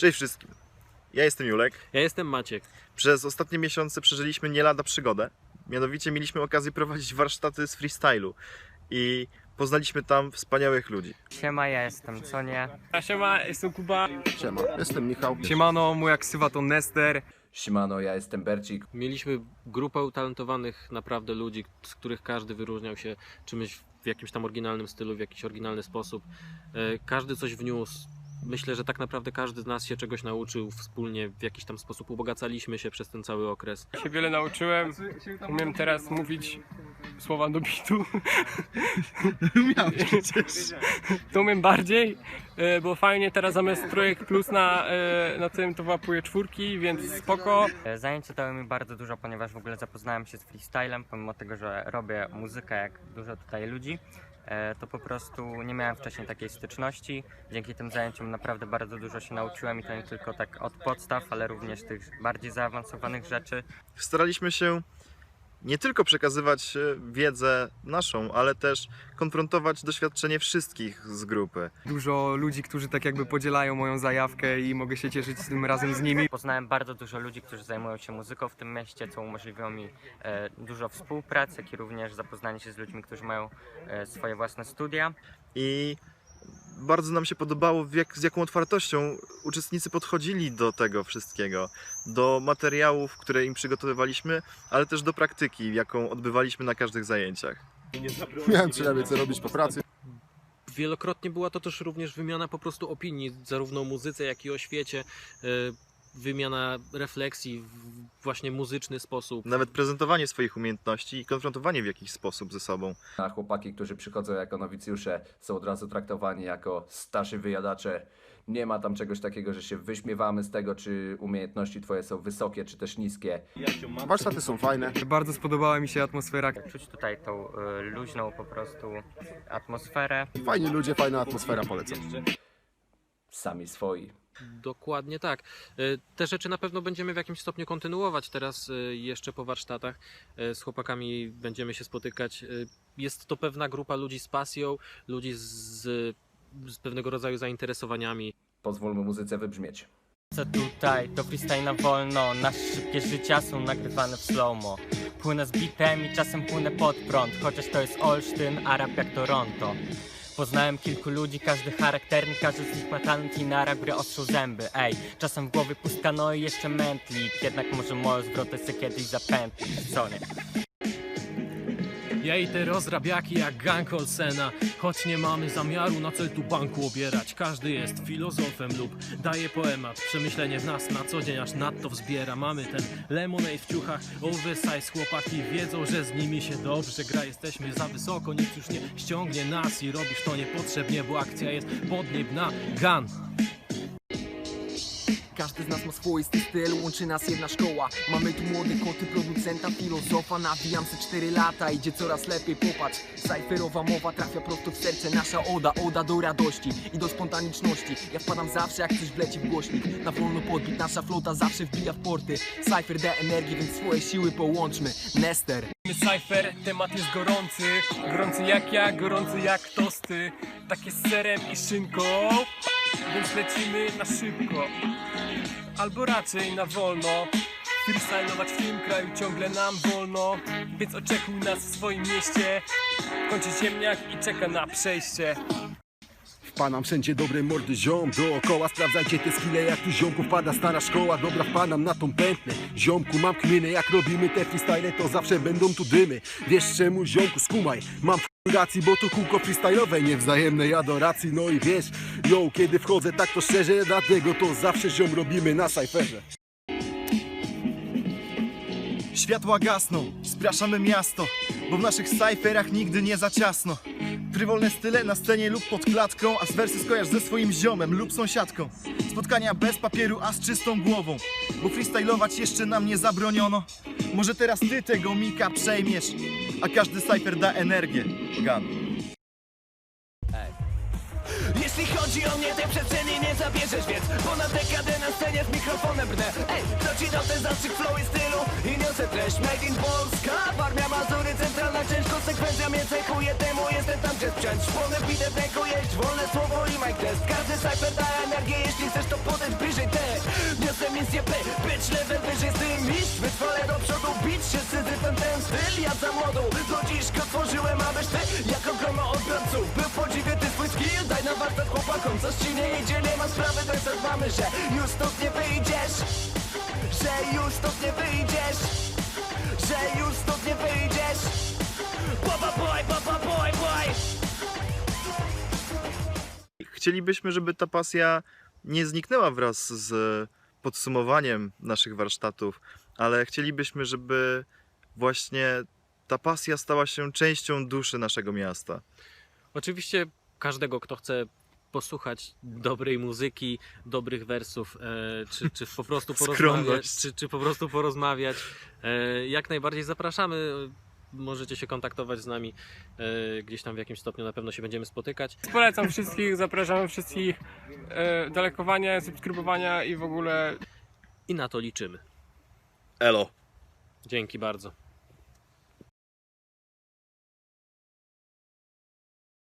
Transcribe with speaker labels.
Speaker 1: Cześć wszystkim, ja jestem Julek.
Speaker 2: Ja jestem Maciek.
Speaker 1: Przez ostatnie miesiące przeżyliśmy nie lada przygodę. Mianowicie mieliśmy okazję prowadzić warsztaty z freestylu i poznaliśmy tam wspaniałych ludzi.
Speaker 3: Siema, ja jestem Conie.
Speaker 4: Siema, jestem Kuba.
Speaker 5: Siema, jestem Michał.
Speaker 4: Siemano, moja ksywa to Nester.
Speaker 6: Siemano, ja jestem Bercik.
Speaker 2: Mieliśmy grupę utalentowanych naprawdę ludzi, z których każdy wyróżniał się czymś w jakimś tam oryginalnym stylu, w jakiś oryginalny sposób. Każdy coś wniósł. Myślę, że tak naprawdę każdy z nas się czegoś nauczył wspólnie, w jakiś tam sposób ubogacaliśmy się przez ten cały okres.
Speaker 4: Się wiele nauczyłem. Umiem teraz mówić słowa do bitu.
Speaker 1: Umiałeś przecież.
Speaker 4: To umiem bardziej, bo fajnie teraz zamiast Projekt Plus na tym to łapuję czwórki, więc spoko.
Speaker 3: Zajęcia dały mi bardzo dużo, ponieważ w ogóle zapoznałem się z freestylem, pomimo tego, że robię muzykę jak dużo tutaj ludzi. To po prostu nie miałem wcześniej takiej styczności. Dzięki tym zajęciom naprawdę bardzo dużo się nauczyłem i to nie tylko tak od podstaw, ale również tych bardziej zaawansowanych rzeczy.
Speaker 1: Staraliśmy się nie tylko przekazywać wiedzę naszą, ale też konfrontować doświadczenie wszystkich z grupy.
Speaker 4: Dużo ludzi, którzy tak jakby podzielają moją zajawkę i mogę się cieszyć tym razem z nimi.
Speaker 3: Poznałem bardzo dużo ludzi, którzy zajmują się muzyką w tym mieście, co umożliwiło mi dużo współpracy, jak i również zapoznanie się z ludźmi, którzy mają swoje własne studia.
Speaker 1: I bardzo nam się podobało, z jaką otwartością uczestnicy podchodzili do tego wszystkiego, do materiałów, które im przygotowywaliśmy, ale też do praktyki, jaką odbywaliśmy na każdych zajęciach.
Speaker 5: Miałem przynajmniej co robić po pracy.
Speaker 2: Wielokrotnie była to też również wymiana po prostu opinii, zarówno o muzyce, jak i o świecie. Wymiana refleksji w właśnie muzyczny sposób.
Speaker 1: Nawet prezentowanie swoich umiejętności i konfrontowanie w jakiś sposób ze sobą.
Speaker 6: A chłopaki, którzy przychodzą jako nowicjusze, są od razu traktowani jako starsi wyjadacze. Nie ma tam czegoś takiego, że się wyśmiewamy z tego, czy umiejętności twoje są wysokie, czy też niskie.
Speaker 5: Warsztaty są fajne.
Speaker 4: Bardzo spodobała mi się atmosfera.
Speaker 3: Czuć tutaj tą luźną po prostu atmosferę.
Speaker 5: Fajni ludzie, fajna atmosfera, polecam.
Speaker 6: Sami swoi.
Speaker 2: Dokładnie tak. Te rzeczy na pewno będziemy w jakimś stopniu kontynuować teraz jeszcze po warsztatach. Z chłopakami będziemy się spotykać. Jest to pewna grupa ludzi z pasją, ludzi z pewnego rodzaju zainteresowaniami.
Speaker 6: Pozwólmy muzyce wybrzmieć.
Speaker 3: Co tutaj, to freestyle na wolno. Nasze szybkie życia są nagrywane w slow-mo. Płynę z bitem i czasem płynę pod prąd. Chociaż to jest Olsztyn, a rap jak Toronto. Poznałem kilku ludzi, każdy charakterny, każdy z nich ma talent i na rap gry ostrzą zęby. Ej, czasem w głowie pustka, no i jeszcze mętlik. Jednak może moją zwrotę se kiedyś zapętlić, co nie?
Speaker 7: Ja i te rozrabiaki jak gang Olsena. Choć nie mamy zamiaru na cel tu banku obierać. Każdy jest filozofem lub daje poemat. Przemyślenie w nas na co dzień aż nadto wzbiera. Mamy ten lemonade w ciuchach, oversize. Chłopaki wiedzą, że z nimi się dobrze gra. Jesteśmy za wysoko, nic już nie ściągnie nas. I robisz to niepotrzebnie, bo akcja jest podniebna. Gun.
Speaker 8: Każdy z nas ma swoisty styl, łączy nas jedna szkoła. Mamy tu młode koty, producenta, filozofa. Nawijam se 4 lata, idzie coraz lepiej, popatrz. Cypherowa mowa trafia prosto w serce. Nasza oda do radości i do spontaniczności. Ja wpadam zawsze jak coś wleci w głośnik. Na wolno podbit, nasza flota zawsze wbija w porty. Cypher da energii, więc swoje siły połączmy. Nester.
Speaker 4: Cypher, temat jest gorący. Gorący jak ja, gorący jak tosty. Takie z serem i szynką. Więc lecimy na szybko. Albo raczej na wolno. Freestylować w tym kraju ciągle nam wolno. Więc oczekuj nas w swoim mieście. Kończy ziemniak i czeka na przejście.
Speaker 5: Wpadam wszędzie dobre mordy ziom. Dookoła sprawdzajcie te skille, jak tu ziomku wpada stara szkoła. Dobra, wpadam na tą pętlę. Ziomku, mam kminę, jak robimy te freestyle, to zawsze będą tu dymy. Wiesz czemu, ziomku, skumaj. Mam racji, bo to kółko freestyle'owe, niewzajemnej adoracji. No i wiesz, yo, kiedy wchodzę tak to szczerze, dlatego to zawsze ziom robimy na cypherze.
Speaker 9: Światła gasną, spraszamy miasto, bo w naszych cyferach nigdy nie za ciasno. Frywolne style na scenie lub pod klatką, a z wersy skojarz ze swoim ziomem lub sąsiadką. Spotkania bez papieru, a z czystą głową, bo freestylować jeszcze nam nie zabroniono. Może teraz ty tego mika przejmiesz, a każdy cyfer da energię. Gun.
Speaker 8: Jeśli chodzi o mnie, tej przestrzeni nie zabierzesz, więc ponad dekadę na scenie z mikrofonem brnę. Ej, co ci dał ten zastrzyk flow i stylu? I niosę treść made in Polska. Warmia, Mazury, centralna część, konsekwencja mnie cechuje. Temu jestem tam, gdzie sprzęt szpony, bite w ręku, jeść wolne słowo i mic test. Każdy cypher da energię, jeśli chcesz to podejść bliżej.
Speaker 10: ja za młodu do dziś go tworzyłem, abyś ty jako grono odbiorców był podziwie ty swój skill. Daj na warsztat chłopakom, coś ci nie idzie, nie ma sprawy, tak zadbamy, że już stąd nie wyjdziesz, że już stąd nie wyjdziesz, że już stąd nie wyjdziesz. Papa boy, boy.
Speaker 1: Chcielibyśmy, żeby ta pasja nie zniknęła wraz z podsumowaniem naszych warsztatów, ale chcielibyśmy, żeby właśnie ta pasja stała się częścią duszy naszego miasta.
Speaker 2: Oczywiście każdego, kto chce posłuchać dobrej muzyki, dobrych wersów, czy po prostu porozmawiać, czy po prostu porozmawiać, jak najbardziej zapraszamy. Możecie się kontaktować z nami gdzieś tam w jakimś stopniu, na pewno się będziemy spotykać.
Speaker 4: Polecam wszystkich, zapraszamy wszystkich do lajkowania, subskrybowania i w ogóle
Speaker 2: I na to liczymy.
Speaker 1: Elo!
Speaker 2: Dzięki bardzo.